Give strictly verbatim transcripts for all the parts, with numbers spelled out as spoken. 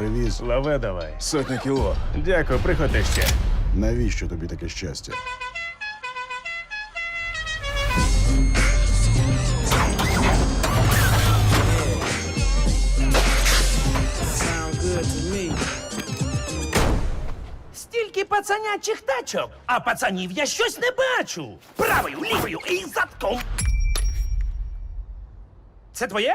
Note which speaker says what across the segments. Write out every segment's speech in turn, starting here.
Speaker 1: привіз.
Speaker 2: Лаве давай.
Speaker 3: Сотня кіло.
Speaker 2: Дякую, приходи ще.
Speaker 1: Навіщо тобі таке щастя?
Speaker 4: Стільки пацанячих тачок, а пацанів я щось не бачу. Правою, лівою і задком. Це твоє?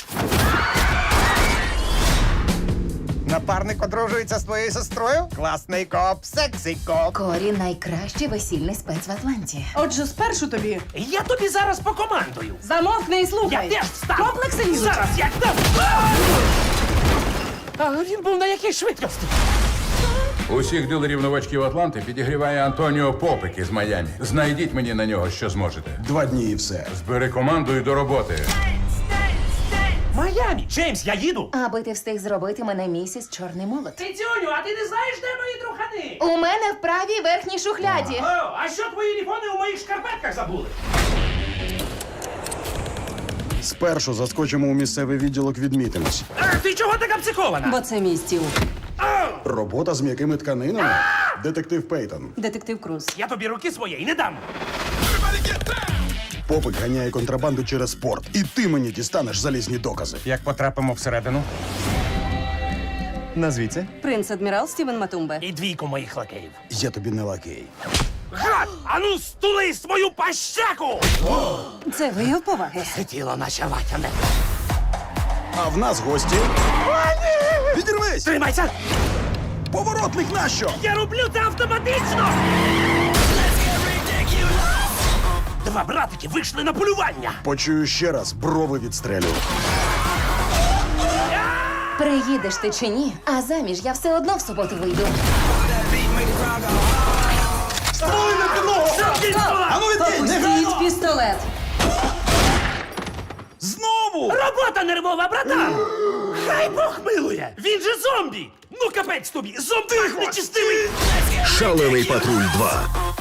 Speaker 5: Напарник одружується з твоєю сестрою? Класний коп, сексy коп.
Speaker 6: Корі найкращий весільний спец в Атланті.
Speaker 7: Отже, спершу тобі
Speaker 4: Я тобі зараз покомандую.
Speaker 7: замовкни і слухай.
Speaker 4: Я теж встану.
Speaker 7: Комплекси лізуть.
Speaker 4: Зараз як дам. А він був на якій швидкості?
Speaker 8: Усіх дилерів новачків Атланти підігріває Антоніо Попик із Майамі. Знайдіть мені на нього, що зможете.
Speaker 1: Два дні і все.
Speaker 8: Збери команду і до роботи.
Speaker 4: Майамі. Джеймс, я їду.
Speaker 6: Аби ти встиг зробити мене місіс Чорний молот.
Speaker 4: Цицюню, а ти не знаєш, де мої трухани?
Speaker 6: У мене в правій верхній шухляді.
Speaker 4: О, а що твої ліфони у моїх шкарпетках забули?
Speaker 1: Спершу заскочимо у місцевий відділок, відмітимось.
Speaker 4: А, ти чого така психована?
Speaker 7: Бо це мій стіл.
Speaker 1: Робота з м'якими тканинами? Детектив Пейтон.
Speaker 7: Детектив Круз.
Speaker 4: Я тобі руки своєї не дам.
Speaker 1: Попик ганяє контрабанду через порт. І ти мені дістанеш залізні докази.
Speaker 5: Як потрапимо всередину? Назвіться.
Speaker 7: Принц-адмірал Стівен Матумбе.
Speaker 4: І двійку моїх лакеїв.
Speaker 1: Я тобі не лакей.
Speaker 4: Гад! Ану, стули свою пащаку!
Speaker 7: Це вияв поваги.
Speaker 4: Сиділо наче ватяне.
Speaker 1: А в нас гості. Відірвись!
Speaker 4: Тримайся!
Speaker 1: Поворотник нащо?
Speaker 4: Я роблю це автоматично! Два братики вийшли на полювання.
Speaker 1: Почую ще раз, брови відстрелю.
Speaker 6: Приїдеш ти чи ні, а заміж я все одно в суботу вийду.
Speaker 7: Опустіть пістолет.
Speaker 1: Знову!
Speaker 4: Робота нервова, братан! Хай Бог милує! Він же зомбі! Ну капець тобі! Зомбі нечистивий!
Speaker 3: Шалений патруль два.